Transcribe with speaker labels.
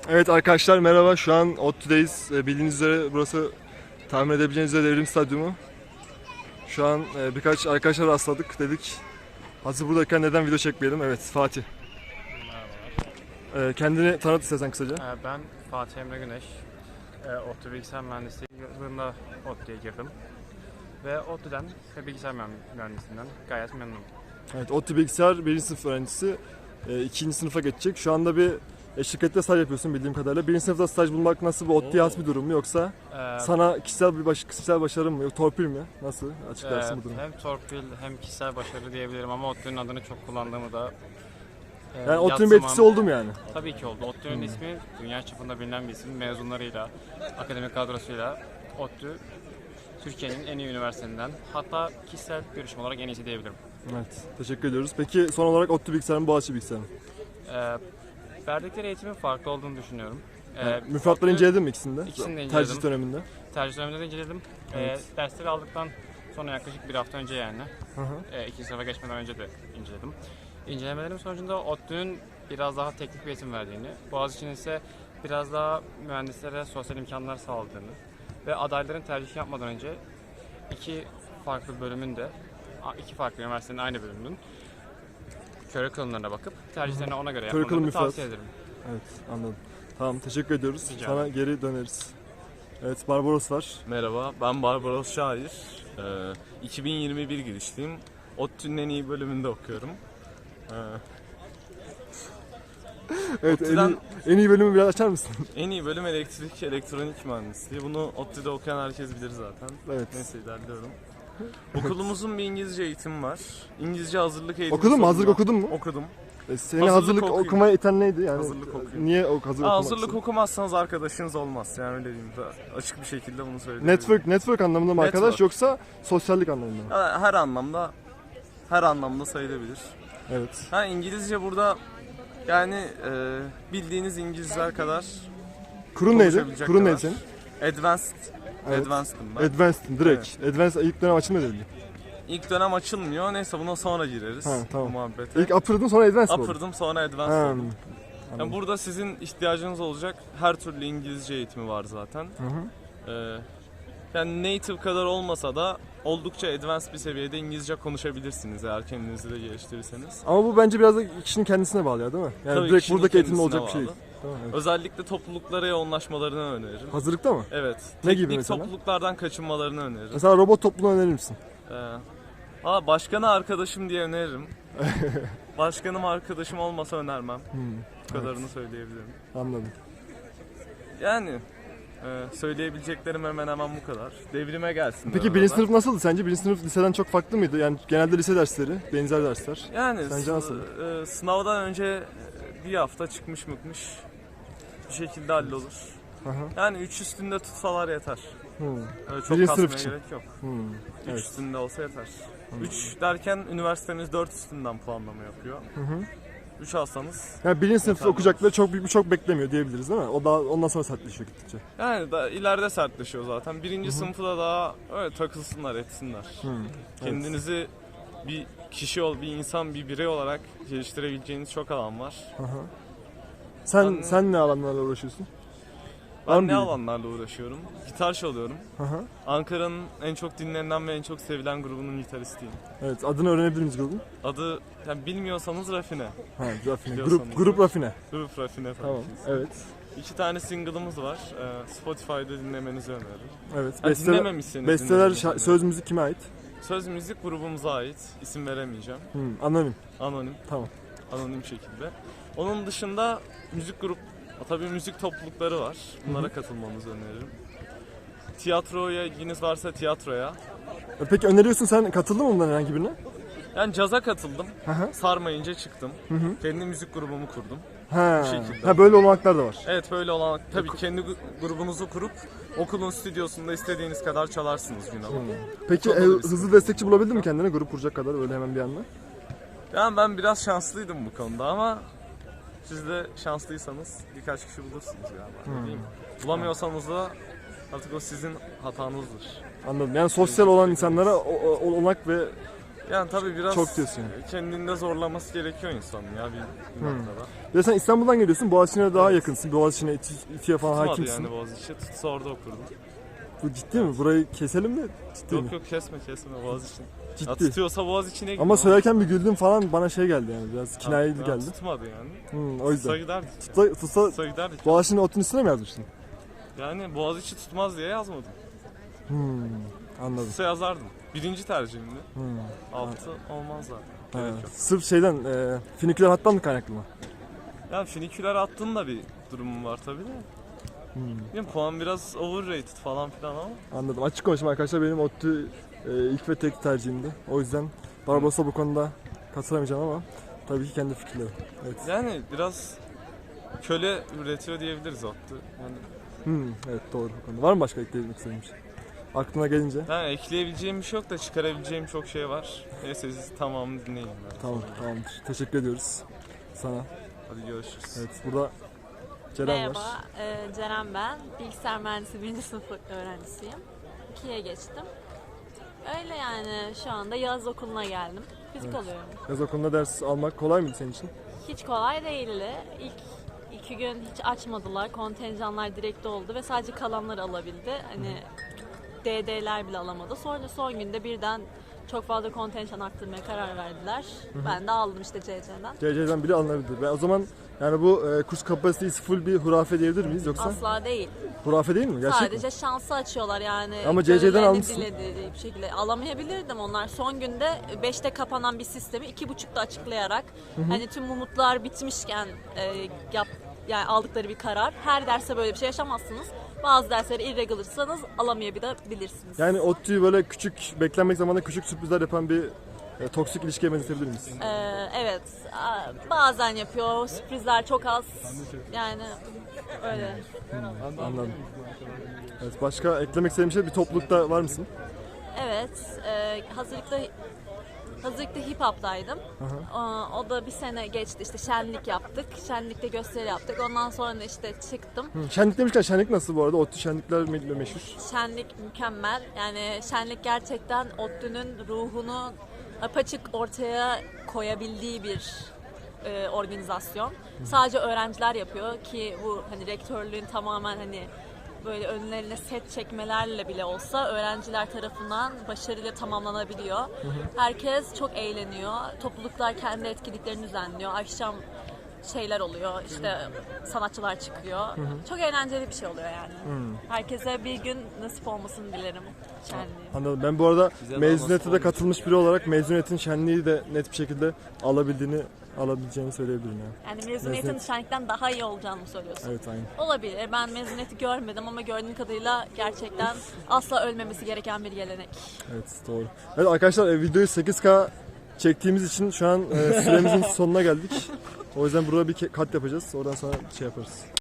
Speaker 1: Evet arkadaşlar merhaba. Şu an ODTÜ'deyiz. Bildiğiniz üzere burası tahmin edebileceğiniz üzere Devrim Stadyumu. Şu an birkaç arkadaşlar rastladık. Dedik hazır buradayken neden video çekmeyelim? Evet Fatih.
Speaker 2: Merhabalar.
Speaker 1: Kendini tanıt istersen kısaca.
Speaker 2: Ben Fatih Emre Güneş. ODTÜ Bilgisayar Mühendisliği yılında ODTÜ'ye girdim. Ve ODTÜ'den ve bilgisayar mühendisliğinden gayet memnunum.
Speaker 1: Evet ODTÜ Bilgisayar 1. sınıf öğrencisi. 2. sınıfa geçecek. Şu anda bir şirkette staj yapıyorsun bildiğim kadarıyla. 1. sınıfta staj bulmak nasıl, bir ODTÜ'ye has bir durum mu yoksa sana kişisel başarın mı, yok torpil mi? Nasıl açıklarsın bu durumu?
Speaker 2: Hem torpil hem kişisel başarı diyebilirim ama ODTÜ'nün adını çok kullandığımı da
Speaker 1: Yani ODTÜ'nün bir etkisi oldu mu yani?
Speaker 2: Tabii ki oldu. ODTÜ'nün ismi dünya çapında bilinen bir isim. Mezunlarıyla, akademik kadrosuyla ODTÜ Türkiye'nin en iyi üniversitelerinden, hatta kişisel görüşüm olarak en iyisi diyebilirim.
Speaker 1: Evet, teşekkür ediyoruz. Peki son olarak ODTÜ Bilgisayar mı, Boğaziçi Bilgisayar mı?
Speaker 2: Verdikleri eğitimin farklı olduğunu düşünüyorum.
Speaker 1: Müfredatları inceledin mi ikisini de?
Speaker 2: İkisini de inceledim.
Speaker 1: Tercih döneminde.
Speaker 2: Tercih döneminde de inceledim.
Speaker 1: Evet.
Speaker 2: Dersleri aldıktan sonra yaklaşık bir hafta önce yani.
Speaker 1: Hı hı.
Speaker 2: İkinci sınıfa geçmeden önce de inceledim. İncelemelerim sonucunda ODTÜ'nün biraz daha teknik bir eğitim verdiğini, Boğaziçi'nin ise biraz daha mühendislere sosyal imkanlar sağladığını ve adayların tercih yapmadan önce iki farklı üniversitenin aynı bölümünün curriculum'larına bakıp tercihlerini ona göre
Speaker 1: Curriculum
Speaker 2: yapmalarını
Speaker 1: müfredat.
Speaker 2: tavsiye ederim.
Speaker 1: Evet, anladım. Tamam, teşekkür ediyoruz.
Speaker 2: Rica
Speaker 1: Sana
Speaker 2: ederim.
Speaker 1: geri döneriz. Evet, Barbaros var.
Speaker 3: Merhaba, ben Barbaros Şair. 2021 girişliyim. ODTÜ'nün en iyi bölümünde okuyorum.
Speaker 1: Evet,
Speaker 3: ODTÜ'den
Speaker 1: en iyi bölümü biraz açar mısın?
Speaker 3: en iyi bölüm elektrik, elektronik mühendisliği. Bunu ODTÜ'de okuyan herkes bilir zaten.
Speaker 1: Evet.
Speaker 3: Neyse ilerliyorum. Okulumuzun bir İngilizce eğitimi var. İngilizce hazırlık eğitimi.
Speaker 1: Okudun mu? Hazırlık
Speaker 3: sunuyor.
Speaker 1: okudun mu?
Speaker 3: Okudum.
Speaker 1: Seni hazırlık
Speaker 3: okuyayım.
Speaker 1: okumaya iten neydi? Yani
Speaker 3: Hazırlık okuyayım.
Speaker 1: niye hazırlık okumak
Speaker 3: Hazırlık
Speaker 1: istedin?
Speaker 3: okumazsanız arkadaşınız olmaz. Yani öyle diyeyim. Açık bir şekilde bunu söyleyebilirim.
Speaker 1: Network anlamında mı arkadaş
Speaker 3: Network.
Speaker 1: yoksa sosyallik anlamında mı?
Speaker 3: Her anlamda sayılabilir.
Speaker 1: Evet.
Speaker 3: İngilizce burada yani bildiğiniz İngilizler kadar
Speaker 1: Kurun neydi?
Speaker 3: konuşabilecek
Speaker 1: Kurun
Speaker 3: kadar.
Speaker 1: neydi senin?
Speaker 3: Advanced.
Speaker 1: Evet.
Speaker 3: Advanced'ım ben.
Speaker 1: Advanced'ın direkt. Advanced ilk dönem açılmıyor dedi.
Speaker 3: İlk dönem açılmıyor. Neyse buna sonra gireriz.
Speaker 1: Ha, tamam.
Speaker 3: Bu muhabbete.
Speaker 1: İlk upper'dın sonra advanced mi oldu?
Speaker 3: Upper'dım sonra advanced
Speaker 1: Ha,
Speaker 3: oldum. Yani burada sizin ihtiyacınız olacak her türlü İngilizce eğitimi var zaten.
Speaker 1: Hı hı.
Speaker 3: Yani native kadar olmasa da oldukça advanced bir seviyede İngilizce konuşabilirsiniz eğer kendinizi de geliştirirseniz.
Speaker 1: Ama bu bence biraz da kişinin kendisine bağlı ya değil mi? Yani
Speaker 3: Tabii
Speaker 1: direkt
Speaker 3: kişinin
Speaker 1: buradaki eğitimde
Speaker 3: kendisine
Speaker 1: olacak bir şey değil.
Speaker 3: bağlı.
Speaker 1: Tamam, evet.
Speaker 3: Özellikle topluluklara yoğunlaşmalarını öneririm.
Speaker 1: Hazırlıkta mı?
Speaker 3: Evet.
Speaker 1: Ne gibi
Speaker 3: Teknik
Speaker 1: mesela?
Speaker 3: topluluklardan kaçınmalarını öneririm.
Speaker 1: Mesela robot topluluğunu önerir misin?
Speaker 3: Başkanı arkadaşım diye öneririm. Başkanım arkadaşım olmasa önermem. Bu kadarını söyleyebilirim.
Speaker 1: Anladım.
Speaker 3: Yani söyleyebileceklerim hemen hemen bu kadar. Devrime gelsin.
Speaker 1: Peki birinci sınıf nasıldı sence? Birinci sınıf liseden çok farklı mıydı? Yani genelde lise dersleri, benzer dersler.
Speaker 3: Yani
Speaker 1: Sence nasıl?
Speaker 3: sınavdan önce bir hafta çıkmış bir şekilde hallolur.
Speaker 1: Hı hı.
Speaker 3: Yani 3 üstünde tutsalar yeter. Öyle çok
Speaker 1: Birinci
Speaker 3: kasmaya
Speaker 1: sınıf için.
Speaker 3: gerek yok. 3
Speaker 1: Evet.
Speaker 3: üstünde olsa yeter. 3 derken üniversitemiz 4 üstünden puanlama yapıyor. 3 alsanız
Speaker 1: Yani birinci sınıfta
Speaker 3: Yeterli
Speaker 1: okuyacakları çok beklemiyor diyebiliriz değil mi? O daha ondan sonra sertleşiyor gittikçe.
Speaker 3: yani da ileride sertleşiyor zaten. Birinci sınıfı da daha öyle takılsınlar, etsinler. Kendinizi bir bir insan, bir birey olarak geliştirebileceğiniz çok alan var.
Speaker 1: Sen ne alanlarla uğraşıyorsun? Var mı
Speaker 3: Ben ne
Speaker 1: bir-
Speaker 3: alanlarla uğraşıyorum? Gitar çalıyorum.
Speaker 1: Hı hı.
Speaker 3: Ankara'nın en çok dinlenen ve en çok sevilen grubunun gitaristiyim.
Speaker 1: Evet, adını öğrenebilir miyiz grubun?
Speaker 3: Adı yani bilmiyorsanız Rafine.
Speaker 1: Ha, Rafine.
Speaker 3: Biliyorsanız
Speaker 1: Grup
Speaker 3: da.
Speaker 1: Rafine.
Speaker 3: Grup Rafine tabii
Speaker 1: Tamam.
Speaker 3: ki.
Speaker 1: Evet.
Speaker 3: 2 tane single'ımız var. Spotify'da dinlemenizi öneririm.
Speaker 1: Evet.
Speaker 3: Ha, dinlememişseniz
Speaker 1: Besteler,
Speaker 3: dinlemenizi
Speaker 1: söz müzik kime ait?
Speaker 3: Söz müzik grubumuza ait. İsim veremeyeceğim.
Speaker 1: Anonim.
Speaker 3: Anonim.
Speaker 1: Tamam.
Speaker 3: Anonim şekilde. Onun dışında tabii müzik toplulukları var. Bunlara katılmanızı öneririm. Tiyatroya ilginiz varsa tiyatroya.
Speaker 1: Peki öneriyorsun, sen katıldın mı bundan herhangi birine?
Speaker 3: Yani caza katıldım.
Speaker 1: hı.
Speaker 3: Sarmayınca çıktım. Kendi müzik grubumu kurdum.
Speaker 1: Ha.
Speaker 3: Bu şekilde.
Speaker 1: Ha, böyle olanaklar da var.
Speaker 3: Evet böyle olan tabii kendi grubunuzu kurup okulun stüdyosunda istediğiniz kadar çalarsınız gün alıp.
Speaker 1: Peki
Speaker 3: Çok olur
Speaker 1: hızlı destekçi bulabildin mi kendine grup kuracak kadar öyle hemen bir anda?
Speaker 3: Yani ben biraz şanslıydım bu konuda ama siz de şanslıysanız birkaç kişi bulursunuz galiba. Ne diyeyim? Bulamıyorsanız da artık o sizin hatanızdır.
Speaker 1: Anladım. Yani sosyal olan insanlara olanak ve
Speaker 3: Yani tabii biraz
Speaker 1: Çok diyorsun
Speaker 3: kendinde zorlaması gerekiyor insanın ya bir noktada.
Speaker 1: Ya sen İstanbul'dan geliyorsun, Boğaziçi'ne daha yakınsın. Boğaziçi'ne, İTÜ'ye falan
Speaker 3: Tutmadı
Speaker 1: hakimsin.
Speaker 3: yani Boğaziçi. Tutsa orada okurdum.
Speaker 1: Bu ciddi mi? Burayı keselim mi? Ciddi mi?
Speaker 3: Yok kesme Boğaziçi. Ya
Speaker 1: Ciddi.
Speaker 3: tutuyorsa Boğaziçi'ne gidiyor.
Speaker 1: Ama söylerken bir güldün falan, bana şey geldi yani, biraz kinayeli
Speaker 3: Ya
Speaker 1: geldi.
Speaker 3: tutmadı yani.
Speaker 1: O
Speaker 3: Tutsa
Speaker 1: yüzden.
Speaker 3: giderdik.
Speaker 1: Tutsa
Speaker 3: Tutsa giderdik.
Speaker 1: Boğaziçi'nin ODTÜ'nün üstüne mi yazmıştın?
Speaker 3: Yani Boğaziçi tutmaz diye yazmadım.
Speaker 1: Anladım.
Speaker 3: Tutsa yazardım. Birinci tercihimdi. Altı olmaz zaten.
Speaker 1: Ha,
Speaker 3: Gerek yok.
Speaker 1: sırf şeyden, finiküler hattan mı kaynaklı mı?
Speaker 3: Yani finiküler attığın da bir durumum var tabii de. Yani puan biraz overrated falan filan ama.
Speaker 1: Anladım. Açık konuşayım arkadaşlar, benim ODTÜ ilk ve tek tercihimdi. O yüzden Barbaros'a bu konuda katılamayacağım ama tabii ki kendi fikirlerim. Evet.
Speaker 3: Yani biraz köle üretiyor diyebiliriz ODTÜ. Yani
Speaker 1: Evet, doğru bu konuda. Var mı başka ekleyebilmek istediğin bir şey? Aklına gelince.
Speaker 3: ben ekleyebileceğim bir şey yok da çıkarabileceğim çok şey var. Neyse siz tamamını dinleyin.
Speaker 1: Tamamdır. Teşekkür ediyoruz sana.
Speaker 3: Hadi görüşürüz.
Speaker 1: Evet, burada Ceren
Speaker 4: Merhaba,
Speaker 1: var.
Speaker 4: Ceren ben. Bilgisayar mühendisi 1. sınıf öğrencisiyim. 2'ye geçtim. Öyle yani şu anda yaz okuluna geldim. Fizik alıyorum.
Speaker 1: Yaz okulunda ders almak kolay mıydı senin için?
Speaker 4: Hiç kolay değildi. İlk 2 gün hiç açmadılar. Kontenjanlar direkt oldu ve sadece kalanlar alabildi. Hani DD'ler bile alamadı. Sonra son günde birden çok fazla kontenjan arttırmaya karar verdiler. Ben de aldım işte CC'den.
Speaker 1: CC'den bile alınabilir. O zaman yani bu kurs kapasitesi full bir hurafe diyebilir miyiz yoksa?
Speaker 4: Asla değil.
Speaker 1: Hurafe değil mi? Gerçek mi?
Speaker 4: Sadece şansı açıyorlar yani.
Speaker 1: Ama CC'den
Speaker 4: gönüllerini
Speaker 1: almışsın.
Speaker 4: dilediği bir şekilde alamayabilirdim. Onlar son günde 5'te kapanan bir sistemi 2.30'da açıklayarak hani tüm umutlar bitmişken yani aldıkları bir karar. Her derse böyle bir şey yaşamazsınız. Bazı dersleri irregularsanız alamayabilirsiniz.
Speaker 1: Yani ODTÜ'yü böyle küçük, beklenmek zamanında küçük sürprizler yapan bir toksik ilişkiye benzetebilir miyiz?
Speaker 4: Evet. Bazen yapıyor. Sürprizler çok az. Yani öyle.
Speaker 1: Anladım. Evet, başka eklemek istediğin bir şey, bir toplulukta var mısın?
Speaker 4: Evet, hazırlıkta hip hop'taydım. O da bir sene geçti, işte şenlik yaptık, şenlikte gösteri yaptık. Ondan sonra da işte çıktım.
Speaker 1: Şenlik demişken, şenlik nasıl bu arada? ODTÜ şenlikler meşhur.
Speaker 4: Şenlik mükemmel. Yani şenlik gerçekten ODTÜ'nün ruhunu apaçık ortaya koyabildiği bir organizasyon. Sadece öğrenciler yapıyor ki bu hani rektörlüğün tamamen hani böyle önlerine set çekmelerle bile olsa öğrenciler tarafından başarıyla tamamlanabiliyor. Herkes çok eğleniyor. Topluluklar kendi etkinliklerini düzenliyor. Akşam şeyler oluyor. İşte sanatçılar çıkıyor. Çok eğlenceli bir şey oluyor yani. Herkese bir gün nasip olmasını dilerim şenliği.
Speaker 1: Anladım. Ben bu arada mezuniyete de katılmış biri olarak mezuniyetin şenliği de net bir şekilde alabileceğini söyleyebilirim yani.
Speaker 4: Yani mezuniyetin
Speaker 1: Mezuniyet.
Speaker 4: şenlikten daha iyi olacağını mı söylüyorsun?
Speaker 1: Evet, aynen.
Speaker 4: Olabilir. Ben mezuniyeti görmedim ama gördüğüm kadarıyla gerçekten asla ölmemesi gereken bir gelenek.
Speaker 1: Evet, doğru. Evet arkadaşlar, videoyu 8K çektiğimiz için şu an süremizin sonuna geldik. O yüzden burada bir kat yapacağız. Oradan sonra şey yaparız.